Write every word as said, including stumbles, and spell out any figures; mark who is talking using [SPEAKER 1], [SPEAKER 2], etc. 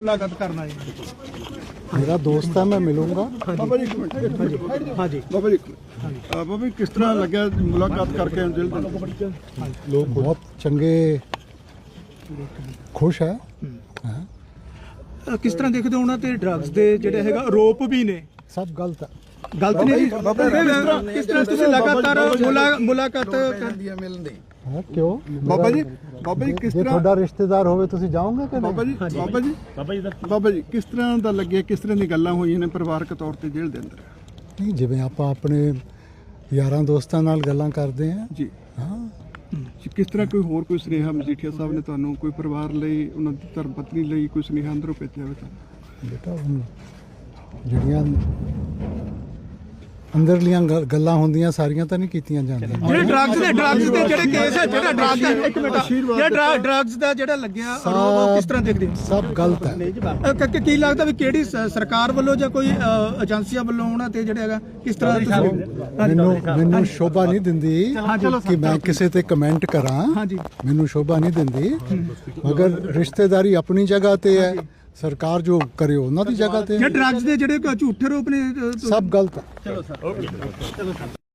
[SPEAKER 1] मुलाकात करना है।
[SPEAKER 2] मेरा दोस्त है, मैं मिलूंगा।
[SPEAKER 3] बाबा जी एक मिनट एक मिनट
[SPEAKER 1] हाँ जी
[SPEAKER 3] बाबा जी एक मिनट। अ, बाबा जी किस तरह लगे मुलाकात करके जेल दे अंदर?
[SPEAKER 2] लोग बहुत चंगे, खुश है। हाँ,
[SPEAKER 1] अ, किस तरह देखते हो उन्होंने ते ड्रग्स दे ਜਿਹੜੇ ਹੈਗਾ ਆਰੋਪ ਵੀ ਨੇ
[SPEAKER 2] सब गलत है।
[SPEAKER 1] ਗਲਤ ਨਹੀਂ ਜੀ।
[SPEAKER 3] ਬਾਬਾ ਜੀ,
[SPEAKER 1] ਕਿਸ ਤਰ੍ਹਾਂ ਕਿਸ ਤਰ੍ਹਾਂ ਤੁਸੀਂ ਲਗਾਤਾਰ ਮੁਲਾ- ਮੁਲਾਕਾਤ
[SPEAKER 2] हाँ, क्यों?
[SPEAKER 3] बाबा जी
[SPEAKER 2] मेरा-
[SPEAKER 3] बाबा जी किस
[SPEAKER 2] जे
[SPEAKER 3] तरह
[SPEAKER 2] थोड़ा रिश्तेदार होवे तुसी जाओगे कि
[SPEAKER 3] बाबा
[SPEAKER 2] नहीं?
[SPEAKER 3] जी बाबा जी बाबा जी किस तरह ਦਾ ਲੱਗੇ ਕਿਸ ਤਰ੍ਹਾਂ ਦੀ ਗੱਲਾਂ ਹੋਈਆਂ ਨੇ ਪਰਿਵਾਰਕ ਤੌਰ ਤੇ ਜੇਲ੍ਹ ਦੇ ਅੰਦਰ?
[SPEAKER 2] नहीं, जिवें ਆਪਾਂ ਆਪਣੇ ਯਾਰਾਂ ਦੋਸਤਾਂ ਨਾਲ ਗੱਲਾਂ ਕਰਦੇ ਹਾਂ।
[SPEAKER 3] ਜੀ
[SPEAKER 2] ਹਾਂ,
[SPEAKER 3] ਕਿਸ ਤਰ੍ਹਾਂ ਕੋਈ ਹੋਰ ਕੋਈ ਸੁਨੇਹਾ ਮਜੀਠੀਆ ਸਾਹਿਬ ਨੇ ਤੁਹਾਨੂੰ ਕੋਈ ਪਰਿਵਾਰ ਲਈ ਉਹਨਾਂ ਦੀ ਧਰਮ ਪਤਨੀ ਲਈ ਕੋਈ ਸੁਨੇਹਾ ਅੰਦਰੋਂ ਭੇਜਿਆ ਹੋਵੇ ਤੁਹਾਨੂੰ?
[SPEAKER 2] ਬੇਟਾ ਹੁਣ ਜਿਹੜੀਆਂ ਅੰਦਰਲੀਆਂ ਗੱਲ- ਗੱਲਾਂ ਹੁੰਦੀਆਂ ਸਾਰੀਆਂ ਤਾਂ ਨਹੀਂ ਕੀਤੀਆਂ ਜਾਂਦੀਆਂ।
[SPEAKER 1] ਜਿਹੜੇ ਡਰੱਗਸ ਦੇ ਡਰੱਗਸ ਦੇ ਜਿਹੜੇ ਕੇਸ ਹੈ ਜਿਹੜਾ ਡਰੱਗ ਦਾ ਇੱਕ ਮਿੰਟ ਜਿਹੜਾ ਡਰੱਗਸ ਦਾ ਜਿਹੜਾ ਲੱਗਿਆ ਆਰੋਪ ਉਹ ਕਿਸ ਤਰ੍ਹਾਂ ਦੇਖਦੇ ਹੋ?
[SPEAKER 2] ਸਭ ਗਲਤ ਹੈ।
[SPEAKER 1] ਅ, ਕ- ਕ- ਕੀ ਲੱਗਦਾ ਵੀ ਕਿਹੜੀ ਸ- ਸਰਕਾਰ ਵੱਲੋਂ ਜਾਂ ਕੋਈ ਅ, ਏਜੰਸੀਆਂ ਵੱਲੋਂ ਉਹਨਾਂ ਤੇ ਜਿਹੜਾ ਹੈਗਾ ਕਿਸ ਤਰ੍ਹਾਂ ਦਾ ਤੁਸੀਂ
[SPEAKER 2] ਮੈਨੂੰ ਮੈਨੂੰ ਸ਼ੋਭਾ ਨਹੀਂ ਦਿੰਦੀ ਕਿ ਮੈਂ ਕਿਸੇ ਤੇ ਕਮੈਂਟ ਕਰਾਂ।
[SPEAKER 1] ਹਾਂਜੀ
[SPEAKER 2] ਮੈਨੂੰ ਸ਼ੋਭਾ ਨਹੀਂ ਦਿੰਦੀ, ਮਗਰ ਰਿਸ਼ਤੇਦਾਰੀ ਆਪਣੀ ਜਗ੍ਹਾ ਤੇ ਹੈ, ਸਰਕਾਰ ਜੋ ਕਰੇ ਉਹਨਾਂ ਦੀ ਜਗ੍ਹਾ ਤੇ
[SPEAKER 1] ਜੇ
[SPEAKER 2] ਹੈ।
[SPEAKER 1] ਡਰੱਗਸ ਦੇ ਜਿਹੜੇ ਝੂਠੇ ਆਰੋਪ ਨੇ ਅ,
[SPEAKER 2] ਸਭ ਗਲਤ ਹੈ।